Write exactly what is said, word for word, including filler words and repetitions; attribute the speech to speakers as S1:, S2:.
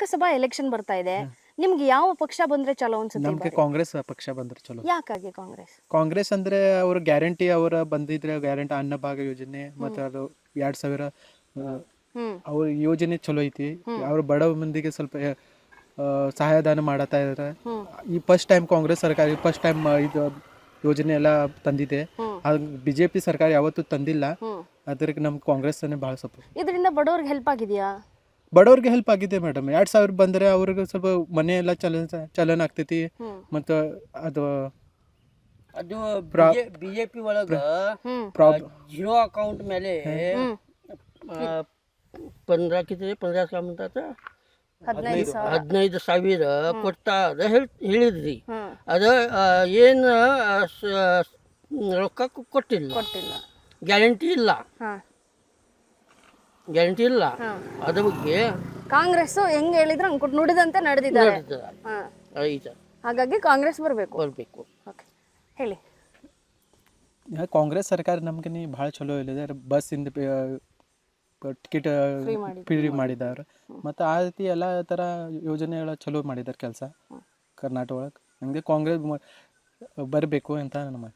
S1: Lok Sabha election ಬರ್ತಾ ಇದೆ, ನಿಮ್ಗೆ ಯಾವ ಪಕ್ಷ ಬಂದ್ರೆ ಚಲೋ ಅನ್ಸುತ್ತೆ?
S2: ನಮಗೆ ಕಾಂಗ್ರೆಸ್ ಪಕ್ಷ ಬಂದ್ರೆ ಚಲೋ.
S1: ಯಾಕಾಗಿ ಕಾಂಗ್ರೆಸ್?
S2: ಕಾಂಗ್ರೆಸ್ ಅಂದ್ರೆ ಅವ್ರ ಗ್ಯಾರಂಟಿ ಅವರ ಬಂದಿದ್ರೆ ಗ್ಯಾರಂಟಿ ಅನ್ನಭಾಗ್ಯ ಯೋಜನೆ ಮತ್ತೆ ಅದು ಎರಡ್ ಸಾವಿರ
S1: ಹ್ಮ್
S2: ಅವ್ರ ಯೋಜನೆ ಚಲೋ ಐತಿ. ಅವ್ರ ಬಡ ಮಂದಿಗೆ ಸ್ವಲ್ಪ ಆ, ಸಹಾಯದಾನ ಮಾಡತಾ ಇದಾರೆ. ಈ ಫಸ್ಟ್ ಟೈಮ್ ಕಾಂಗ್ರೆಸ್ ಸರ್ಕಾರ ಫಸ್ಟ್ ಟೈಮ್ ಇದು ಯೋಜನೆ ಎಲ್ಲ ತಂದಿದೆ. ಬಿಜೆಪಿ ಸರ್ಕಾರ ಯಾವತ್ತೂ ತಂದಿಲ್ಲ. ಅದಕ್ಕೆ ನಮ್ ಕಾಂಗ್ರೆಸ್ ಭಾಳ ಸಪೋರ್ಟ್.
S1: ಇದರಿಂದ ಬಡವ್ರಿಗೆ ಹೆಲ್ಪ್ ಆಗಿದೆಯಾ?
S2: ಬಡವ್ರಿಗೆ ಹೆಲ್ಪ್ ಆಗಿದೆ ಮೇಡಮ್. ಎರಡ್ ಸಾವಿರ ಬಂದ್ರೆ ಅವ್ರಿಗೆ ಸ್ವಲ್ಪ ಮನೆ ಎಲ್ಲ ಚಲನ ಚಲನ ಆಗ್ತೈತಿ. ಮತ್ತು ಅದು
S3: ಅದು ಬಿಜೆಪಿ ಒಳಗ
S1: ಹ್ಮ್
S3: ಜಿರೋ ಅಕೌಂಟ್ ಮೇಲೆ पंधरा किती पंधरा काय म्हणतात
S1: ಹದಿನೈದು ಸಾವಿರ
S3: ಹದಿನೈದು ಸಾವಿರ ಕೊಡ್ತಾರ ಹೇಳಿದ್ರಿ.
S1: ಹ್ಮ್
S3: ಅದ ಏನು ರೊಕ್ಕ ಕೊಟ್ಟಿಲ್ಲ,
S1: ಕೊಟ್ಟಿಲ್ಲ.
S3: ಗ್ಯಾರಂಟಿ ಇಲ್ಲ,
S1: ಹಾ
S3: ಗ್ಯಾರಂಟಿ ಇಲ್ಲ. ಅದ್ರ ಬಗ್ಗೆ
S1: ಕಾಂಗ್ರೆಸ್ ಹೆಂಗ್ ಹೇಳಿದ್ರೆ ಹಂಗ್ ಕೊಟ್ಟು ನುಡಿದಂತೆ ನಡೆದಿದ್ದಾರೆ. ಹಾ
S3: ಐತೆ
S1: ಹಾಗಾಗಿ ಕಾಂಗ್ರೆಸ್ ಬರಬೇಕು.
S3: ಬರ್ಬೇಕು.
S1: ಓಕೆ, ಹೇಳಿ.
S2: ಕಾಂಗ್ರೆಸ್ ಸರ್ಕಾರ ನಮ್ಗೆ ಭಾಳ ಚಲೋ ಇದೆ. ಬಸ್ ಇಂದ ಟಿಕೆಟ್ ಫ್ರೀ ಮಾಡಿದ್ದಾರೆ. ಮತ್ತು ಆ ರೀತಿ ಎಲ್ಲ ಥರ ಯೋಜನೆಗಳ ಚಲೋ ಮಾಡಿದ್ದಾರೆ ಕೆಲಸ ಕರ್ನಾಟಕ ಒಳಗೆ. ನಮಗೆ ಕಾಂಗ್ರೆಸ್ ಬರಬೇಕು ಅಂತ ನಮ್ಮ